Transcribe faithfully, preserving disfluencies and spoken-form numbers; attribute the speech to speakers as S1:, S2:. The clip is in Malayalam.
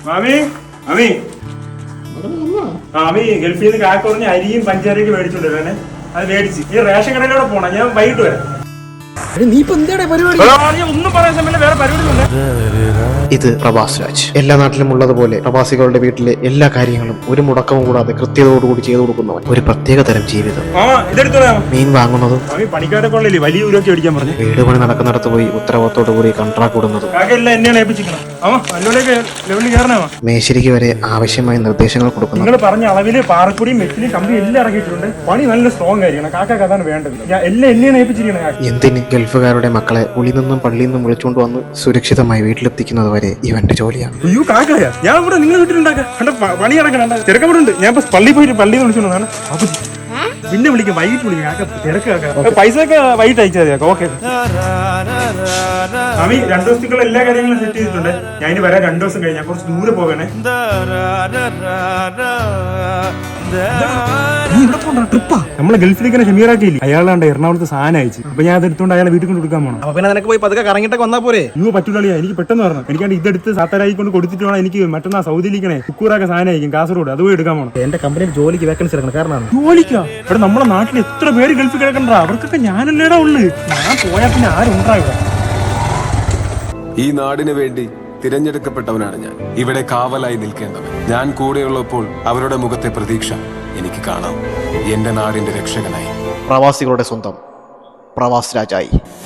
S1: മാമി മാമി മാമി ഗൾഫിൽ നിന്ന് കാക്ക പറഞ്ഞ അരിയും പഞ്ചാരയൊക്കെ മേടിച്ചോണ്ടിരുന്നെ. അത് മേടിച്ച് ഈ റേഷൻ കടയിലൂടെ പോണം. ഞാൻ വൈകിട്ട് വരാം.
S2: നീ ഇപ്പൊ എന്താ പരിപാടി?
S1: ഒന്നും പറയാൻ സമയത്ത് വേറെ പരിപാടി.
S2: ഇത് പ്രവാസ് രാജ്. എല്ലാ നാട്ടിലും ഉള്ളതുപോലെ പ്രവാസികളുടെ വീട്ടിലെ എല്ലാ കാര്യങ്ങളും ഒരു മുടക്കവും കൂടാതെ കൃത്യതയോടുകൂടി ചെയ്തു കൊടുക്കുന്നവൻ. ഒരു പ്രത്യേക തരം ജീവിതം. മീൻ വാങ്ങുന്നതും
S1: പണിക്കാരൊക്കെ ഉള്ളല്ലേ വലിയ ഊരൊക്കെ അടിക്കാൻ പറഞ്ഞു.
S2: വീട് പണി നടക്കുന്നിടത്ത് പോയി ഉത്തരവാദിത്തോടു കൂടി കൺട്രാക്ട് കൊടുക്കുന്നതും മേശരിക്ക് വരെ ആവശ്യമായ നിർദ്ദേശങ്ങൾ കൊടുക്കുന്നു.
S1: നിങ്ങൾ പറഞ്ഞ അളവില് പാറക്കുടിയും മെറ്റിലും കമ്പി എല്ലാം ഇറക്കിയിട്ടുണ്ട്. പണി നല്ല സ്ട്രോങ് ആയിരിക്കണം. കാക്ക അതാണ് വേണ്ടത്. എല്ലാം എന്നെയാണ് ഏൽപ്പിച്ചിരിക്കണം.
S2: എന്തിന് ഗൾഫുകാരുടെ മക്കളെ ഉള്ളിൽ നിന്നും പള്ളിയിൽ നിന്നും വിളിച്ചുകൊണ്ട് വന്ന് സുരക്ഷിതമായി വീട്ടിലെത്തിക്കുന്നത് വരെ ഇവന്റെ ജോലിയാണ്.
S1: അയ്യോ കാക്കയാ, ഞാൻ ഇവിടെ നിങ്ങളെ വീട്ടിലുണ്ടാക്കാം. പണി ഇറക്കണം. ചെറുക്കപ്പെടുണ്ട്. ഞാൻ പള്ളിയിൽ പോയിട്ട് പള്ളിയിൽ നിന്ന് വിളിച്ചോണ്ടാണ്. പിന്നെ വിളിക്കാം, വൈകിട്ട് വിളിക്കാം. കാക്ക തിരക്കാക്ക. പൈസ ഒക്കെ വൈകിട്ട് അയച്ചാൽ മതി. ഓക്കെ മാമി, രണ്ടു ദിവസത്തേക്കുള്ള എല്ലാ കാര്യങ്ങളും സെറ്റ് ചെയ്തിട്ടുണ്ട്. ഞാൻ ഇനി വരാൻ രണ്ടു ദിവസം കഴിഞ്ഞാൽ കുറച്ച് ദൂരെ പോകണേ. നമ്മളെ ഗൾഫിലേക്ക് ഷമീറാക്കിയില്ലേ, അയാളാണ്ട് എറണാകുളത്ത് സാധനം അയച്ചു. അപ്പൊ ഞാൻ അത് എടുത്തോണ്ട് അയാളെ വീട്ടിൽ കൊണ്ട് കൊടുക്കാൻ പോകണം.
S2: അപ്പൊ പിന്നെ നിനക്ക് പോയി പതുക്കെ കറങ്ങിട്ടൊക്കെ വന്നാ പോരെ?
S1: അയ്യോ പറ്റൂലിയാ, എനിക്ക് പെട്ടെന്ന് പറഞ്ഞു. എനിക്കാണ്ട് ഇതെടുത്ത് സാത്താരായി കൊണ്ട് കൊടുത്തിട്ട് വേണം എനിക്ക് മറ്റന്നാ സൗദിയിലേക്കണേ കുക്കൂറൊക്കെ സാധനം അയക്കും കാസർഗോഡ്. അത് പോയി എടുക്കാൻ പോകണം.
S2: എന്റെ കമ്പനിയിൽ ജോലിക്ക് വേക്കൻസി എടുക്കണം. കാരണം
S1: ജോലിക്കാ ഇവിടെ നമ്മുടെ നാട്ടിൽ എത്ര പേര് ഗൾഫിൽ കിടക്കണ്ട. അവർക്കൊക്കെ ഞാനല്ലേടാ ഉള്ളു. ഞാൻ പോയാൽ പിന്നെ ആരുണ്ടാ ഇവിടെ.
S3: ഈ നാടിന് വേണ്ടി തിരഞ്ഞെടുക്കപ്പെട്ടവനാണ് ഞാൻ. ഇവിടെ കാവലായി നിൽക്കേണ്ടവൻ. ഞാൻ കൂടെയുള്ളപ്പോൾ അവരുടെ മുഖത്തെ പ്രതീക്ഷ എനിക്ക് കാണാം. എന്റെ നാടിന്റെ രക്ഷകനായി.
S2: പ്രവാസികളുടെ സ്വന്തം പ്രവാസ് രാജായി.